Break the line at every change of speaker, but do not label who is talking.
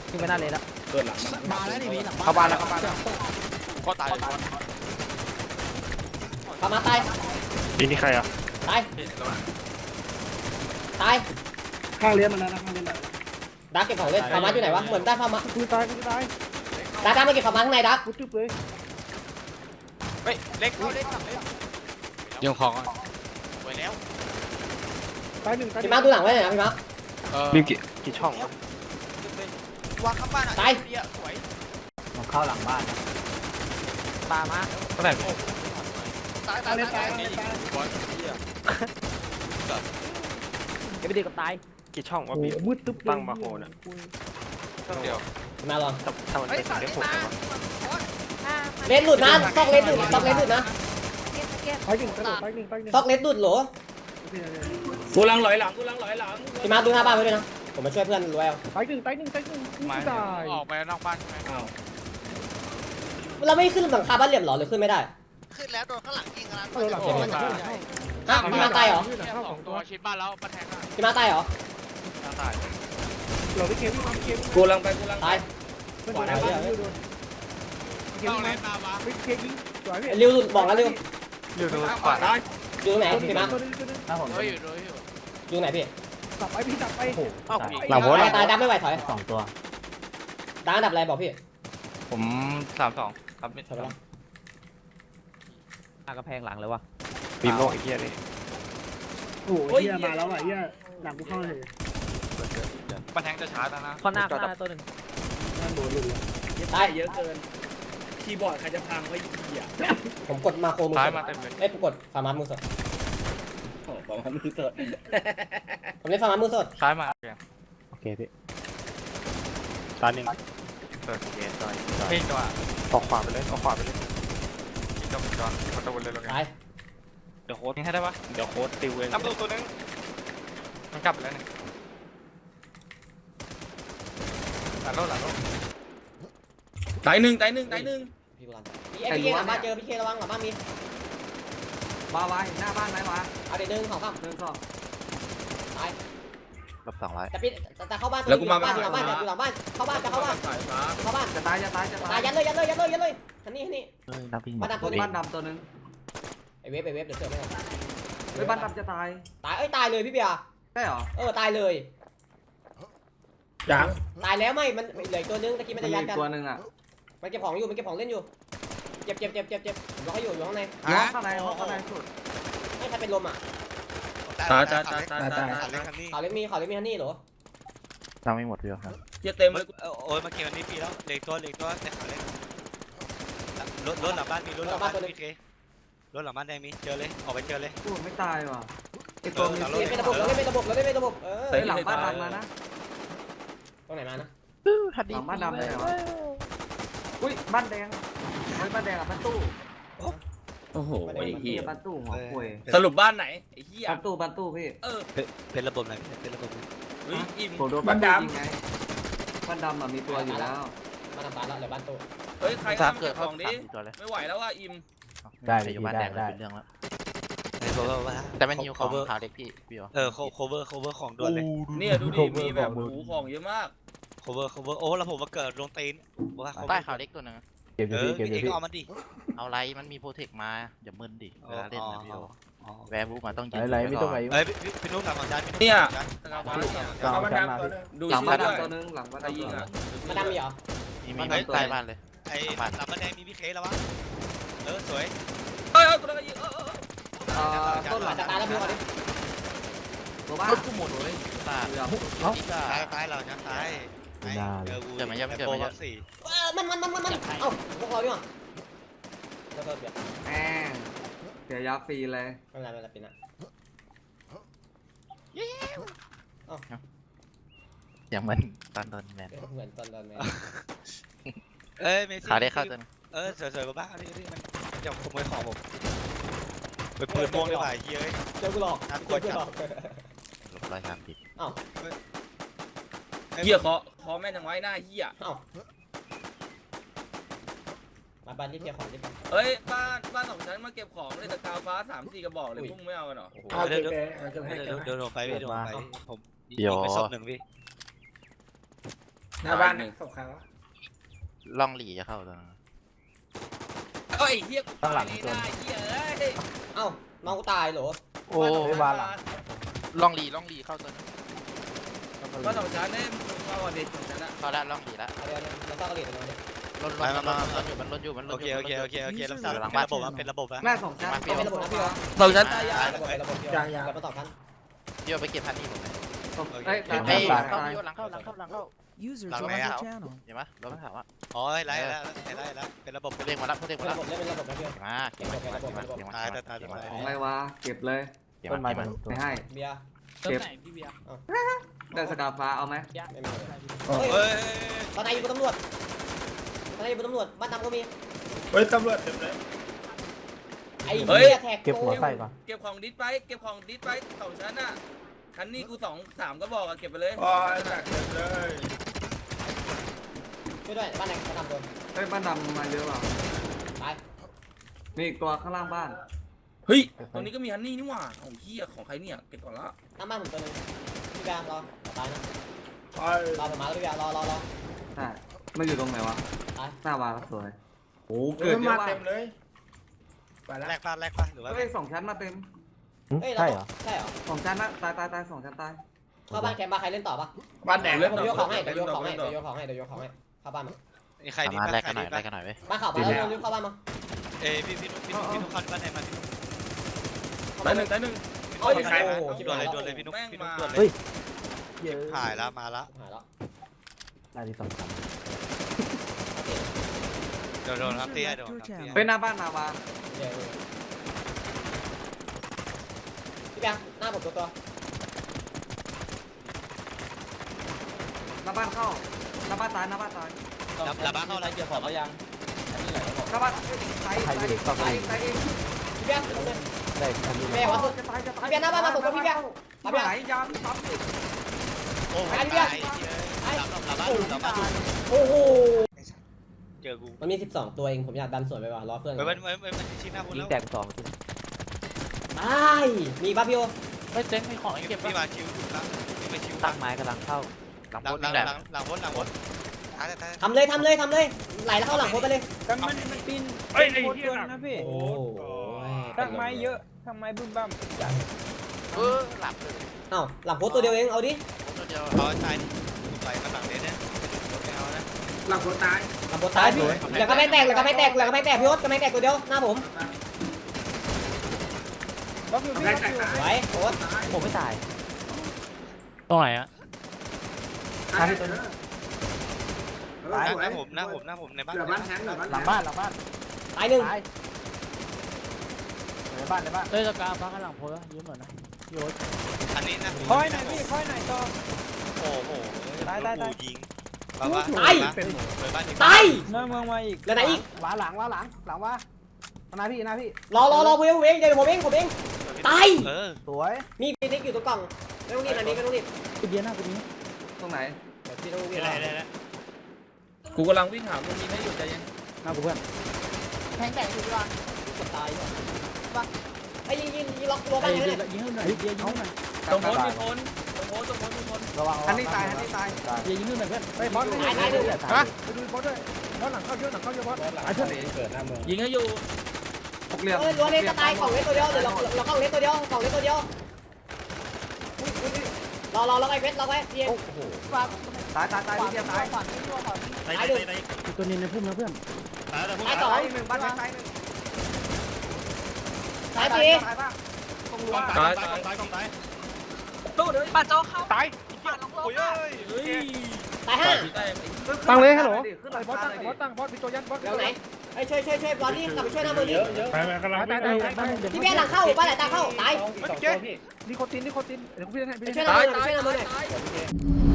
ขึ้นไม่ได้เลยแล้ว
เกิดหลัง
มาแล้วนี่มีหลัง
เข้าบ้านแล้วเข้าบ้านแล้ว
ก็ตาย
ฟาร์มาตาย
นี่ใครอ่ะ
ตายตาย
ข้างเลี้ยงมันนะข้างเลี้ยงมัน
ดักเก็บของเล่นฟาร์มาอยู่ไหนวะเหมือนได้ฟาร์มา
กูตายกูตาย
ดักมาเก็บฟาร์มาข้างในดัก
กูจุ๊บเลย
เฮ้ยเล็กเข้าเล็กทำเล็ก
ยิงของ
ไปแล้ว
ตายหนึ่งตาย
พี่มาร์คดูหลังไว้หน่อยนะพี่มาร์ค
มีกี่ช่องวะ
วางข้างบ้านอ่ะเบี้ยสวย
ผมเข้าหลังบ้านปามา
เท่าไหร่
ตายตายตายนี่บอลเบี้ย
เก็บไปดีกับตาย
กี่ช่องวะ
โอ้
พี่
มืดตึ๊บ
ตั้งมาโหน่ะ
เดียว
พี่มาร์คลอง
ถ้ามันเป็นได้หกเลยวะ
เลนหลุดนะซอกเลนหลุดซอกเลนหลุดนะ
ตายหนึ่งตายหนึ่งตายหนึ่งตายหนึ่ง
ซอกเลนหลุดโหล
กูลังหลอยหลังกูลังหลอยหลัง
พี่มาร์คดูหน้าบ้านไว้ด้วยนะผมมาช่วยเพื่อนรวยเอา
ตายหนึ่งตายหนึ่งตายหนึ่งกูตาย
ออกไปนอกบ้านใช่ไหม
อ้าว
เราไม่ขึ้นหลังคาบ้านเหลี่ยมหรอหรือขึ้นไม่ได้
ขึ้นแล้วโดนข้างหลังยิงนะ
เออหลัง
ฮะพี่มาร์คตายเหรอ
สองตัวชิดบ้านแล้วมาแทงอ่ะ
พี่มาร์คตายเหรอ
ตาย
เราไปเกมพี่มาเกมกูลังไปกูลัง
ตาย
มันโดนอะไรโดนเกม
เข้า
พี่
เล
มาน
มาวะ
ไปเกมยิงสวยพี่
ริวหลุดบอกแล้วริว
อยู่ดูขวา
ตาย
อยู่ตรงไหนพี่มาร์ค
ตัวนึงตัวนึง
ถ้าผม
เฮ้ยอยู่ด้วยอยู่
อยู่ตรงไหนพี่
ตับไปพี่ตับไป
หลังโพส
ตายดับไม่ไหวถอย
2 ตัว
ดับอันดับอะไรบอกพี่
ผม32ครับ
ถอยไปแล้ว
กระแพงหลังเลยวะ
ปีโลกไอ้เหี้ยนี่
โอ้ยเฮียมาแล้วอ่ะเฮียหลังกูเข้าเลย
มาแทงจะช้าแล้วนะ
ข้อหน้าตัวหนึ่ง
โดนลุง
ตาย
เยอะเกินคีย์บอร์ดใครจะพังไว้เหี้ย
ผมกดมาโคมือ
ซ้าย
สด
มาเต็มเลย
เอ้ยผมกดฟาร์มามือสด
โอ้ประมาณมือเกิด
ผมเล่นฟาร์มามือสด
ซ้ายมา
โอเคพี่
ตาหนึ่งเปิดเกมต่อยเฮ้ยจังหวะออกขวาไปเลยออกขวาไปเลยจังหวะประตูเลยแล้วกัน
ตาย
เดี๋ยวโค้ดให้ได้ปะเดี๋ยวโค้ดติวเองทำตัวนึงมันกลับไปแล้วนึงหลังโลหลังโล
ตายหนึ่ง
พี่กูรันพี่เคหลังบ้านเจอพี่เคระวังหลังบ้านมี
มาไว้หน้าบ้านไหมวะ
เอาเดี๋ยวหนึ่งของข้าม
เดินสอง
ตาย
ลบ200
แต่พี่แต่เข้าบ้านอยู่หลังบ้านอยู่หลังบ้านอยู่หลังบ้านเข้าบ้านจะเข้าบ้านเข้าบ้าน
จะตายจะตายจะตา
ตาย
ย
ยันเลยทันนี่
เฮ้ยนับวิ่ง
บ้านดำตัวนี้
บ้านดำตัวนึง
ไอเวฟเดี๋ยวเสือไม่
เฮ้ยบ้านดำจะตาย
ตายตายเลยพี่เบียร์
ใช่เหรอ
ตายเลย
ยัง
ตายแล้วไม่มันเหลือตัวนึงตะกี้มันจะยัดกัน
ตัวนึงอ่ะ
มันเก็บของอยู่มันเก็บของเล่นอยู่เจ็บผมรอให้อยู่ข้างใน
ห้องข้างในห้องข้างในสุด
ไม่ใครเป็นลมอ่ะ
ตาย
เขาเล่นมีฮันนี่เหรอ
นับไม่หมดเดียวครับ
เหี้ยเต็ม
โอ้ยมาเก็บวันนี้ปีแล้วเหล็กตัวแต่ขาเล็กรถหลังบ้านมีรถหลังบ้านมีเครถหลังบ้านแดงมีเจอเลยออกไปเจอเลย
กูไม่ตายว่ะไอตัวมี
เล่นเป็นระบบเราเล่นเป็นระบบเออ
หลังบ้านดำมานะ
ตรงไหนมานะ
หลังบ้านดำเลยวะอุ้ยบ้านแดงเฮ้ยบ้านแดงอ่ะบ้านตู้
โอ้โหไอ้เหี้ย
บ้านตู้หัวป่วย
สรุปบ้านไหนไอ้เหี้ย
บ้านตู้พี่
เป็นระบบไหนเป็นระบบ
อิ่ม
ผมโดนบ้านดำไงบ้านดำอ่ะมีตัวอยู่แล้ว
มาทำบ้านแล้วเหลือบ้านโต
เฮ้ยใคร
สาม
ทำ
เกิ
เก็
ด
บ
เข้า
ของดิ
ตัวเลย
ไม่ไหวแล้วว่าอิ่ม
ได้เลยอยู่บ้านแดงได้เป็นเรื่องแล้ว
ไอ้โคเวอร์ว่า
แต่มันหิวของขาวเล็กพี่พี่
โคเวอร์ของด่วนเลย
เนี่ยดูดิมีแบบหูของเยอะมาก
โคเวอร์โอ้แล้วผมมาเกิดลงตีนว่า
ใต้ขาวเล็กตัวนึง
เก็บอยู่พี่เก็บอยู่พี่
เอามันดิ
เอาไรมันมีโปรเทคมาอย่ามึนดิเวลาเล่นนะพี่แวร์บูมาต้องยืน
ไหลไม่ต้องไหล
เอ้ยพี่นุ่มหลังของจาน
เนี่ย
เอามา
ดู
ดูหลัง
ชื่
บ้า
อน ด้วย
ดำตัวนึงหลังบ้าน
ใคร
ดำ
ยิ
ตัว
ง
นึ
อ่ะ
ง
มาดำมีเหรอ
มีใต้บ้านเลย
ไอ้หลังบ้านแดงมีพี่เคแล้ววะสวย
เฮ้ยกูโดนยิง
ต้นหลัง
จะตายแล้วพี่ก่อนดิ
ตัวบ้าน
กูหมดเลยตานี่ก็
ตายเราจะตายสี่
มันเอ้าพวกเราดิมั้งก็เบียด
แหมเสียยาฟรีเลย
ไม่เป็นไรปีน่ะ
อย่างมันตอนโดนแมน
เหมือนตอนแม่
เอ้ยเมซี่
ขาวได้เข้าตัวนึง
สวยๆบ้าๆนี่มันจะขโมยของผมไปปืนม่วงได้ป่ะเฮ้ย
เจอกูหลอก
ลบ130
เอ้า
เหี้ยคอแม่นทางไว้หน้าเหี้ย
เอ้ามาบ้านที่เพียของที่
เฮ้ยบ้านสองชั้นมาเก็บของเลยแต่กาวฟ้า3-4กระบอกเลยพุ่งไม่เอากันหรอ
เดินลงไปผมไปศพหนึ่งพี่
หน้าบ้านหนึ่ง
ล่องหลีจะเข้าตรงนั้น
เอ้ยเฮียกูตายไม่ได้เฮียเอ้ย
เอ้าน้องกูตายเหรอ
โอ้ล่องหลีเข้าตัวนั้น
บ้านสองชั้นเนี่ยมึงเข้าก่อนดิสองชั้นอะ
เข้าแล้วล่องหลีแล้ว
เอาเดี๋ยวเราซ่อนกระดิ่งตรงนี้
รถอยู่มัน
โอเคโอเครับทราบเป็นระบบอะ
หน้าสองชั้น
เป็นระบบนะพี่วะ
สองชั้นตายยา
ระบบเป็นระบบเดียวแบบมาต่อกัน
เดี๋ยวไปเก็บพันนี่ผม
เอ้ย
เฮ้ยหลังเข้าหลังเข้า
User
Làm
joined
mẹ
your
hả?
channel.
เห็นปะรถมันถามว่า
อ๋อไล่แล้วเป็นระบบ
เรียกมารับเรียก
เป็น
มา
ระ
รับ
บบเล่นเป็นระบบนะพี่วะ
มาเก็บมา
ตายตาย
ของอะไรวะเก็บเลย
เก็บมา
ไม่ให้
เบียร์
เก็บได้สกาฟ้าเอาไหม
ไม่มี
เฮ้
เฮ้ย
ย
ตอนไหนอยู่บนตำรวจตอนไหนอยู่บนตำรวจบ้านดำก็มี
เฮ้ยตำรวจเต็มเลย
ไอ้เหี้ยแท็ก
เก็บของดิสไปเก็บของดิสไปสองชั้นอะชั้นนี้กู2-3ก็บอกอะเก็บไปเลยอ๋อแตกเต็มเลย
ช่วยด้วยบ้านไหนบ้านดำโดน
เฮ้ยบ้านดำมาเยอะเปล่า
ตาย
มีอีกตัวข้างล่างบ้าน
เฮ้ยตรงนี้ก็มีฮันนี่นี่หว่าของเฮียของใครเนี่ยเก็บก่อนละ
หน้าบ้านผมตัวนึงพี่แบงรอตายนะ
ไป
รอผมมาแล้วพี่แบงรอ
ใช่มันอยู่ตรงไหนวะ
ตาย
หน้าวาสวยโอ้เกิดเยอะว่ะ
เต็มเลยไปละ
แลกป่ะหรือว่า
เฮ้ยสองชั้นมาเต็ม
เฮ้ยใช่เหรอใช่เหรอ
สองชั้นนะตายสองชั้นตาย
เข้าบ้านแคมป์บ้านใครเล่นต่อปะ
บ้านแดง
เดี๋ยวผมยกของให้เดี๋ยวยกของให้เข้าบ้านมา
ใครดี
มาแลกกันหน่อยแลกกันหน่อยเว้ย
บ้านข่าวมาแล้วรีบเข้าบ้านมา
เอ้พี่นุ๊กเข้าบ้านไหนมาพี่นุ๊ก
ตายหนึ่ง
โอ้ยโอ้โหชิบ
ด่วน
หาย
เลย
แล้ว
ด่วนเลยพี่นุ๊ก
แม่ง
พี่นุ๊
มาก
ด่วนเลย หายแล้วมาละ
หายแล้ว
เดี๋ยวโดนครับเตี้ยโดน
เฮ้ยหน้าบ้านนาวา
พี่แบงหน้าผมตัว
หน้าบ้านเข้าหน้าบ้านตายหน้าบ้านตาย
ระบ้าเข้าแล้ว
เกี่ยวของก็ยัง
หน้าบ้านตายเอง
พี่แบงแม่วะ
จะตาย
พี่แบงหน้าบ้านมาส่งกับพี่แบง
มาไหนยามซ้ำดิ
โอ้ยตายระบ้า
โอ้โห
เจอกู
มันมี12ตัวเองผมอยากดันสวนไปว่ะรอเพื่อน
มันชิ้นหน้าคุณแล้ว
ตายมีป่ะพี่โอ
เฮ้ยเจ๊งมีของเก็บ
พี่มาชิวแล้วไม่ชิว
ตั้งไม้กำลังเข้าหลัง
หลั
โพ
ง
สต์นี่แหละ
บนตาย
ทำเลยไหลแล้วเข้าหลังโคไปเลย
แต่มันปีน
เฮ้ยไอ้
โคตร
เหี้
เกิ
ย
นนะพี่
โอ้โห
ตั้งไม้เยอะตั้งไม้บึ้มบ้าม
หลับเลย
เอ้าหลังโคตัวเดียวเองเอาดิ
ตัวเดียว
เอาตายไหลมาหลังเนี้ยเนี่ยเอานะ
หลังคนตาย
หลังโคตายพี่แล้วก็ไม่แตกพี่โอ๊ตก็ไม่แตกตัวเดียวหน้าผม
บล็อกอยู่พี่บล็อกอยู่
ไหวโอ๊ต
ผมไม่ตาย
ตรงไหนอะ
ตายตัวนี้
หน้าผมในบ้าน
หลังบ้าน
ตายหนึ่ง
ในบ้าน
เฮ้ยสกาฟ้าข้างหลังโพสยืมหน่อยนะ
อันนี้นะ
คอยหน่อยพี่คอยหน่อยต่อ
โอ้โหยิงบ้า
ตาย
บ้าน
ตาย
หน้าเมืองมาอีก
แล้วไหนอีก
หลังว่านาพี่
รอผมเองเดี๋ยวผมเองตาย
สวย
มีฟินิกอยู่ตรงกล่องไม่ต้องรีบอันนี้ไม่ต้องรีบ
กูเบียร์หน้ากูนี้
ตรงไหน
เดี๋ยวพี่ต้องรีบ
อะไร
กูกำลังวิ่งหามึงยิงให้หยุดใจเย็น
หน้ากูเพื่อน
แทงแตกอยู่ดีกว่าตายป่ะไอ้ยิงล็อกรั้ว
ไอ้
บ้าน
เบี
เลย
ร์ยิงให้หน่อยเบียร์ยิงให้หน่อย
ตรงโพสต์มีคน
ระวังอันนี้ตาย
เบียร์ยิงให้หน่อยเพื่อนไปบอส
ตายหนึ่ง
ฮะไปดูบอสด้วยบอสหลังเข้าเยอะบอสไอ้เพื่อน
ยิงให้อยู่
หกเหลี่ยม
รั้วเล็กจะตายของเล็กตัวเดียวเดี๋ยวเราเข้าเล็กตัวเดียวของเล็กตัวเดียวรอไอ้เวทรอไว้เพียง
ตายพี่เดียวตาย
ตายหนึ่ง
ตัวนี้ในพุ่มนะเพื่อน
ตายสอง
หนึ่งบ้านตายหนึ่ง
ตายสี่
ตายบ้างตรงรั้ว
ตายตู้เดี๋ยว
ตายโอ้ย
ตายห้า
ตั้งเลยฮัลโหลขึ้น
ไอ้บอสตั้งบอสตั้งบอสพี่โจยันบอส
เดี๋ยวไหนไอ้ช่วยบอลนี่กลับไปช่วยหน้ามือนี่
ไปกำลัง
ตาย
พี่แกหลังเข้าบ้านไหนตาเข้าตาย
นิโคตินเดี๋ยวพี่ให้
ไปช่วยหน้ามือหน่อย